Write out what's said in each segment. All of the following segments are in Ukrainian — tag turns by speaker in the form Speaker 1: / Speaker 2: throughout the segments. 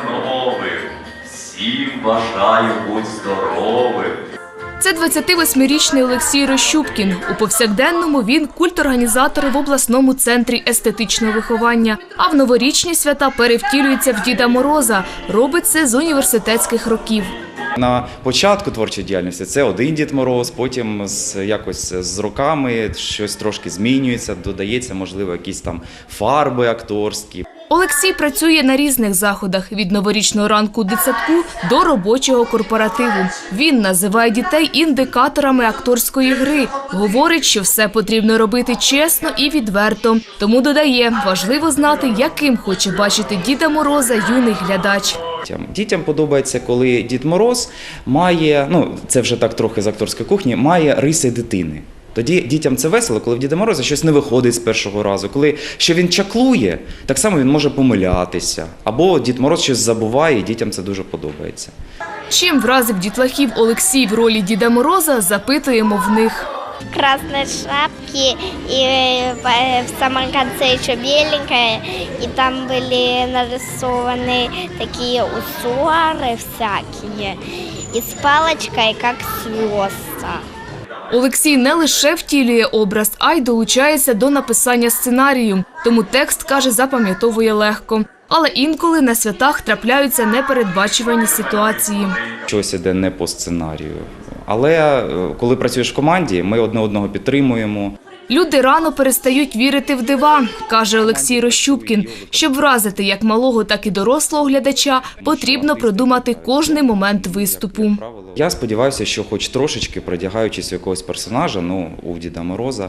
Speaker 1: новим, всім бажаю будь здоровим.
Speaker 2: Це 28-річний Олексій Рощупкін. У повсякденному він культорганізатор в обласному центрі естетичного виховання. А в новорічні свята перевтілюється в Діда Мороза. Робить це з університетських років.
Speaker 3: На початку творчої діяльності це один Дід Мороз, потім якось з роками щось трошки змінюється, додається, можливо, якісь там фарби акторські.
Speaker 2: Олексій працює на різних заходах – від новорічного ранку у дитсадку до робочого корпоративу. Він називає дітей індикаторами акторської гри. Говорить, що все потрібно робити чесно і відверто. Тому додає, важливо знати, яким хоче бачити Діда Мороза юний глядач.
Speaker 3: Дітям подобається, коли Дід Мороз має, це вже так трохи з акторської кухні, має риси дитини. Тоді дітям це весело, коли в Діда Мороза щось не виходить з першого разу. Коли що він чаклує, так само він може помилятися. Або Дід Мороз щось забуває, і дітям це дуже подобається.
Speaker 2: Чим вразив дітлахів Олексій в ролі Діда Мороза, запитуємо в них.
Speaker 4: Красной шапки, и в самом конце еще беленькая, и там были нарисованы такие узоры всякие, и с палочкой, как звезда.
Speaker 2: Олексій не лише втілює образ, а й долучається до написання сценарію. Тому текст, каже, запам'ятовує легко. Але інколи на святах трапляються непередбачувані ситуації.
Speaker 3: Щось іде не по сценарію. Але коли працюєш в команді, ми одне одного підтримуємо.
Speaker 2: Люди рано перестають вірити в дива, каже Олексій Рощупкін. Щоб вразити як малого, так і дорослого глядача, потрібно продумати кожний момент виступу.
Speaker 3: Я сподіваюся, що хоч трошечки, продягаючись в якогось персонажа, у Діда Мороза,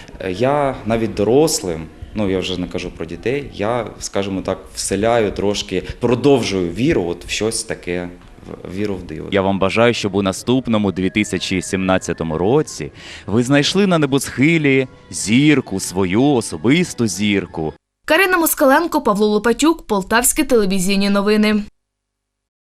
Speaker 3: я навіть дорослим, я вже не кажу про дітей, я, скажімо так, вселяю трошки, продовжую віру в щось таке. Віру в диво.
Speaker 1: Я вам бажаю, щоб у наступному 2017 році ви знайшли на небосхилі зірку, свою особисту зірку.
Speaker 2: Карина Москаленко, Павло Лопатюк, Полтавські телевізійні новини.